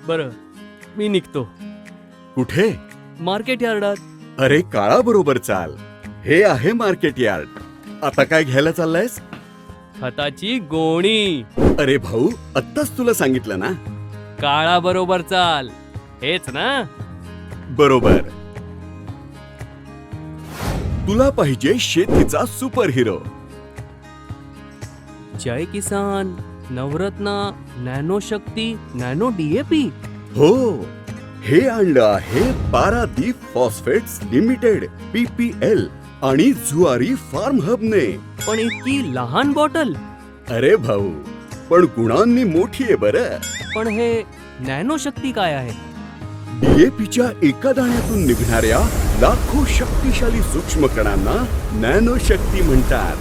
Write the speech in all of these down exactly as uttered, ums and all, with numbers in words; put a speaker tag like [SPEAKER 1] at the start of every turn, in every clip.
[SPEAKER 1] बरं, मी निघतो.
[SPEAKER 2] कुठे?
[SPEAKER 1] मार्केट यार्डात.
[SPEAKER 2] अरे काळा बरोबर चाल. हे आहे मार्केट यार्ड. आता काय घ्यायला चाललायस?
[SPEAKER 1] खताची गोणी.
[SPEAKER 2] अरे भाऊ, आत्ताच तुला सांगितलं ना.
[SPEAKER 1] काळा बरोबर चाल, हेच ना?
[SPEAKER 2] बरोबर. तुला पाहिजे शेतीचा super hero.
[SPEAKER 1] Jai Kisan, Navratna, nano Shakti, nano DAP.
[SPEAKER 2] हो, हे आणलं आहे पारादीप फॉस्फेट्स लिमिटेड पीपीएल आणि जुआरी फार्म हबने.
[SPEAKER 1] पण इतकी लहान बॉटल.
[SPEAKER 2] अरे भाऊ, पण गुणांनी मोठी आहे बरं.
[SPEAKER 1] पण हे नॅनो शक्ती काय आहे?
[SPEAKER 2] डीएपीच्या एका दाण्यातून निघणाऱ्या लाखो शक्तिशाली सूक्ष्म कणांना नॅनो शक्ती म्हणतात.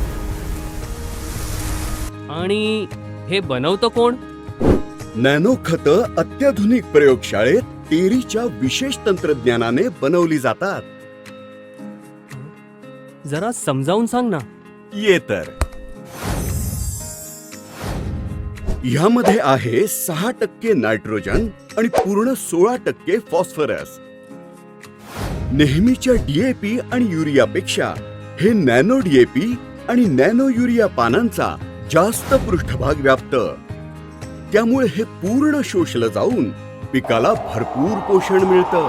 [SPEAKER 1] आणि हे बनवतं कोण?
[SPEAKER 2] नॅनो खतं अत्याधुनिक प्रयोगशाळेत टेरीच्या विशेष तंत्रज्ञानाने बनवली जातात.
[SPEAKER 1] जरा समजावून सांग ना.
[SPEAKER 2] ये तर. ह्यामध्ये आहे सहा टक्के नायट्रोजन आणि पूर्ण सोळा टक्के फॉस्फरस. नेहमीच्या डीएपी आणि युरियापेक्षा हे नॅनो डीएपी आणि नॅनो युरिया पानांचा जास्त पृष्ठभाग व्यापत. त्यामुळे हे पूर्ण शोषलं जाऊन पिकाला भरपूर पोषण मिळतं.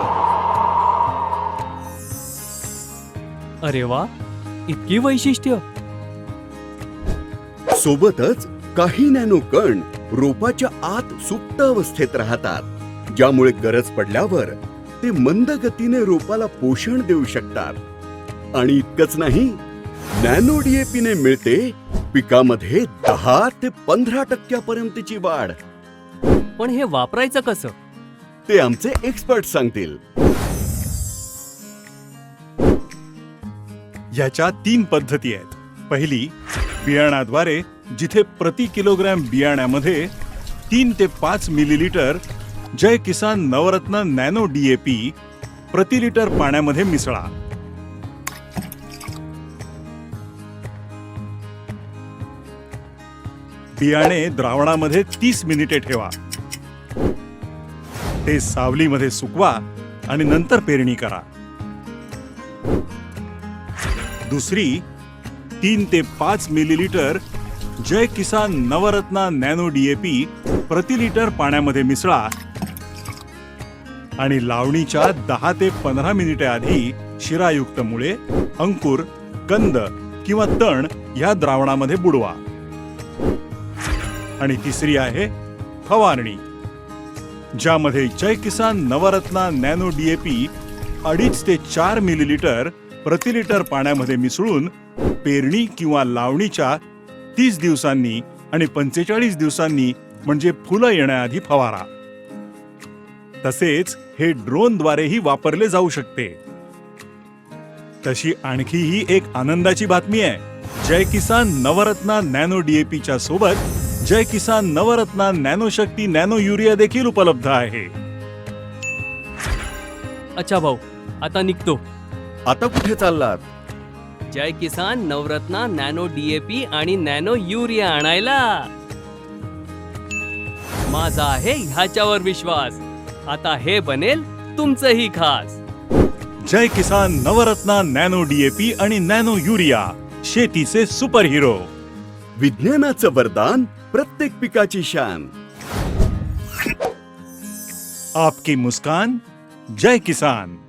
[SPEAKER 1] अरे वा, इतकी वैशिष्ट्य.
[SPEAKER 2] सोबतच काही नॅनो कण रोपाच्या आत सुप्त अवस्थेत राहतात, ज्यामुळे गरज पडल्यावर ते मंद गतीने रोपाला पोषण देऊ शकतात. आणि इतकंच नाही, नॅनो डीएपीने मिळते पिकामध्ये दहा ते पंधरा टक्क्यापर्यंतची वाढ.
[SPEAKER 1] पण हे वापरायचं कसं?
[SPEAKER 2] ते आमचे एक्सपर्ट सांगतील.
[SPEAKER 3] याच्या तीन पद्धती आहेत. पहिली, बियाणाद्वारे, जिथे प्रति किलोग्रॅम बियाण्यामध्ये तीन ते पाच millilitre Jai Kisan Navratna nano DAP प्रति लिटर पाण्यामध्ये मिसळा. बियाणे द्रावणामध्ये तीस मिनिटे ठेवा. ते सावलीमध्ये सुकवा आणि नंतर पेरणी करा. दुसरी, तीन ते पाच millilitre Jai Kisan Navratna nano DAP प्रति लिटर पाण्यामध्ये मिसळा आणि लावणीच्या दहा ते पंधरा मिनिटे आधी शिरायुक्त मुळे, अंकुर, कंद किंवा तण या द्रावणामध्ये बुडवा. आणि तिसरी आहे फवारणी, ज्यामध्ये जय किसान नवरत्ना नॅनो डीएपी अडीच ते चार मिलीलिटर प्रति लिटर पाण्यामध्ये मिसळून पेरणी किंवा लावणीच्या तीस दिवसांनी आणि पंचेचाळीस दिवसांनी म्हणजे फुलं येण्याआधी फवारा. तसेच हे ड्रोनद्वारेही वापरले जाऊ शकते. तशी आणखीही एक आनंदाची बातमी आहे. जय किसान नवरत्ना नॅनो डीएपीच्या सोबत Jai Kisan Navratna nano Shakti nano urea देखील उपलब्ध आहे.
[SPEAKER 1] अच्छा भाऊ, आता निघतो.
[SPEAKER 2] आता कुठे चाललात?
[SPEAKER 1] जय किसान नवरत्ना नॅनो डीएपी आणि नॅनो युरिया आणायला. माझा आहे ह्याच्यावर विश्वास. आता हे बनेल तुमचंही खास.
[SPEAKER 3] जय किसान नवरत्ना नॅनो डीएपी आणि नॅनो युरिया, शेतीचे सुपर हिरो.
[SPEAKER 2] विज्ञानाचं वरदान, प्रत्येक पिकाची शान.
[SPEAKER 3] आपकी मुस्कान, जय किसान.